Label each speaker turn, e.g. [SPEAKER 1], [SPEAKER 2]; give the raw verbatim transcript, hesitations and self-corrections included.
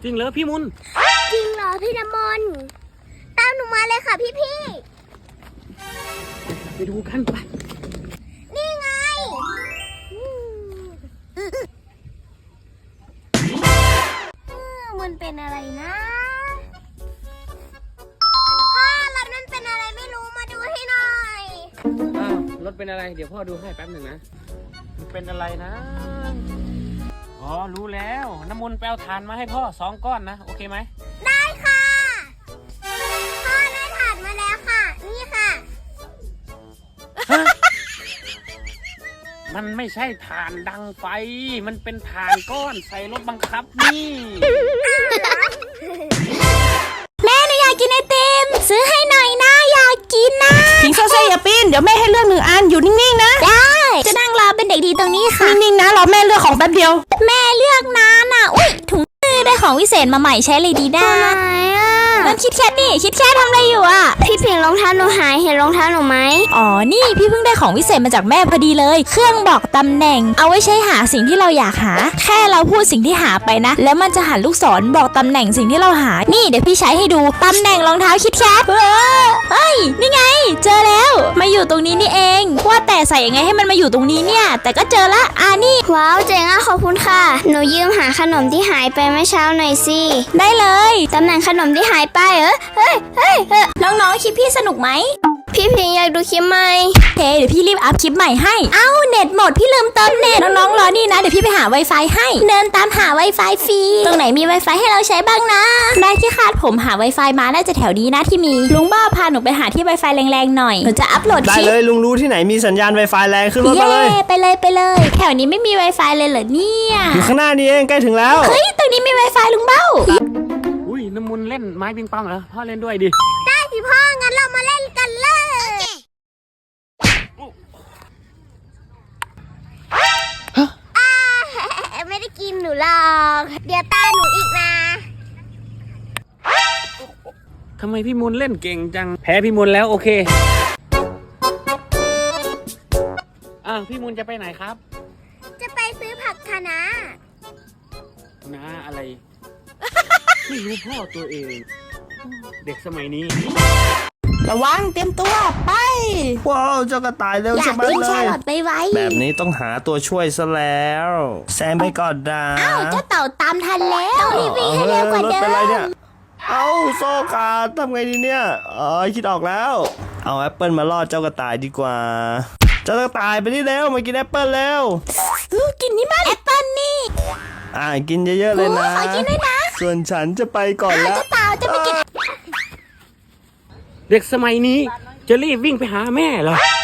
[SPEAKER 1] จริงเหรอพี่มุน
[SPEAKER 2] จริงเหรอพี่น้ำมนต์ตามหนูมาเลยค่ะพี่พี่
[SPEAKER 1] ไปดูกันไป
[SPEAKER 2] นี่ไงมันเป็นอะไรนะพ่อรถมันเป็นอะไรไม่รู้มาดูให้หน่อย
[SPEAKER 1] อ้าวรถเป็นอะไรเดี๋ยวพ่อดูให้แป๊บหนึ่งนะมันเป็นอะไรนะอ๋อรู้แล้วน้ำมนต์ไปเอาถ่านมาให้พ่อสองก้อนนะโอเคไหม
[SPEAKER 2] ได้ค่ะพ่อได้ถ่านมาแล้วค่ะนี่ค่ะ
[SPEAKER 1] มันไม่ใช่ถ่านดังไฟมันเป็นถ่านก้อนใส่รถบังคับนี่
[SPEAKER 2] แม่หนูอยากกินไอติมซื้อให้หน่อยนะอยากกินนะ
[SPEAKER 3] พิงโซเซ่อย่าปีนเดี๋ยวแม่ให้เลือกหนึ่งอันอยู่นิ่งๆนะ
[SPEAKER 2] ได้จะนั่งรอเป็นเด็กดีตรงนี้ค่ะ
[SPEAKER 3] นิ่งๆนะรอแม่เลือกของแป๊บเดียว
[SPEAKER 2] แม่เลือกนานอ่ะอุ้ยถุงมือได้ของวิเศษมาใหม่ใช้เลยดีได้นั่นคิดแค่นี่คิดแค่ทำอะไรอยู่อ่ะพี่เพียงรองเท้าหนูหายเห็นรองเท้าหนูไหม
[SPEAKER 3] อ๋อนี่พี่เพิ่งได้ของวิเศษมาจากแม่พอดีเลยเครื่องบอกตำแหน่งเอาไว้ใช้หาสิ่งที่เราอยากหาแค่เราพูดสิ่งที่หาไปนะแล้วมันจะหันลูกศรบอกตำแหน่งสิ่งที่เราหานี่เดี๋ยวพี่ใช้ให้ดูตำแหน่งรองเท้าคิดแคทเฮ้ยนี่ไงเจอแล้วมาอยู่ตรงนี้นี่เองว่าแต่ใส่ยังไงให้มันมาอยู่ตรงนี้เนี่ยแต่ก็เจอละอ่านี่
[SPEAKER 2] ว้าวเจ๋งอ่ะขอบคุณค่ะหนูยืมหาขนมที่หายไปเมื่อเช้าหน่อยสิ
[SPEAKER 3] ได้เลย
[SPEAKER 2] ตำแหน่งขนมที่หายไปเออเฮ้ยเฮ้ยน้องๆคลิปพี่สนุกไหมพี่พิงอยากดูคลิปใหม่
[SPEAKER 3] โอเคเดี๋ยวพี่รีบอัพคลิปใหม่ให้
[SPEAKER 2] เอ้าเน็ตหมดพี่ลืมเติมเน็ต
[SPEAKER 3] น้องๆรอนี่นะเดี๋ยวพี่ไปหา Wi-Fi ให้
[SPEAKER 2] เดินตามหา Wi-Fi ฟรีตรงไหนมี Wi-Fi ให้เราใช้บ้างนะ
[SPEAKER 3] ได้ที่คาดผมหา Wi-Fi มาน่าจะแถวนี้นะที่มีลุงบ้าพาหนูไปหาที่ Wi-Fi แรงๆหน่อยหนูจะอัพโหลด
[SPEAKER 4] คลิปได้เลยลุงรู้ที่ไหนมีสัญญาณ Wi-Fi แรงขึ้นรถมาเลย
[SPEAKER 2] ไปเลยไปเลยแถวนี้ไม่มี Wi-Fi เลยเหรอเนี่ย
[SPEAKER 4] อยู่ข้างหน้านี่เองใกล้ถึงแล้ว
[SPEAKER 2] เฮ้ยตรงนี้มี Wi-Fi ลุงเบ้า
[SPEAKER 1] อุ้ยน้ำมนต์เล่นไม้ปิงปองเหรอพ่อเล่นด้วยดิ
[SPEAKER 2] ได้สิพ่องั้นเรามาเล่นกันเลยไม่ได้กินหนูหรอกเดี๋ยวตาหนูอีกนะ
[SPEAKER 1] ทำไมพี่มุนเล่นเก่งจังแพ้พี่มุนแล้วโอเคอ้าวพี่มุนจะไปไหนครับ
[SPEAKER 2] จะไปซื้อผักคะน้า
[SPEAKER 1] น้าอะไรไม่รู้พ่อตัวเองเด็กสมัยนี้
[SPEAKER 3] ระวังเตรียมตัวไป
[SPEAKER 4] ว้าวเจ้ากระต่ายเร็ว
[SPEAKER 2] จะ
[SPEAKER 4] มัด
[SPEAKER 2] เลยอยากไปไว้
[SPEAKER 4] แบบนี้ต้องหาตัวช่วยซะแล้วแซงไปก่อนดา
[SPEAKER 2] อ้าวเจ้าเต่าตามทันแล้วรีบวิ่งให้เร็วกว่าเดิม
[SPEAKER 4] เอ้าโซ่ขาดทำไงดีเนี่ยอ๋อคิดออกแล้วเอาแอปเปิลมาล่อเจ้ากระต่ายดีกว่าเจ้ากระต่ายไปนี่เร็วมากินแอปเปิลเร็ว
[SPEAKER 2] กินนี่มันแอปเปิลนี่
[SPEAKER 4] อ่ากินเยอะๆเลยนะ
[SPEAKER 2] ขอกินด้วยนะ
[SPEAKER 4] ส่วนฉันจะไปก่อนแล้ว
[SPEAKER 2] เจ้าเต่าจะไปกิน
[SPEAKER 1] เด็กสมัยนี้จะรีบวิ่งไปหาแม่เหรอ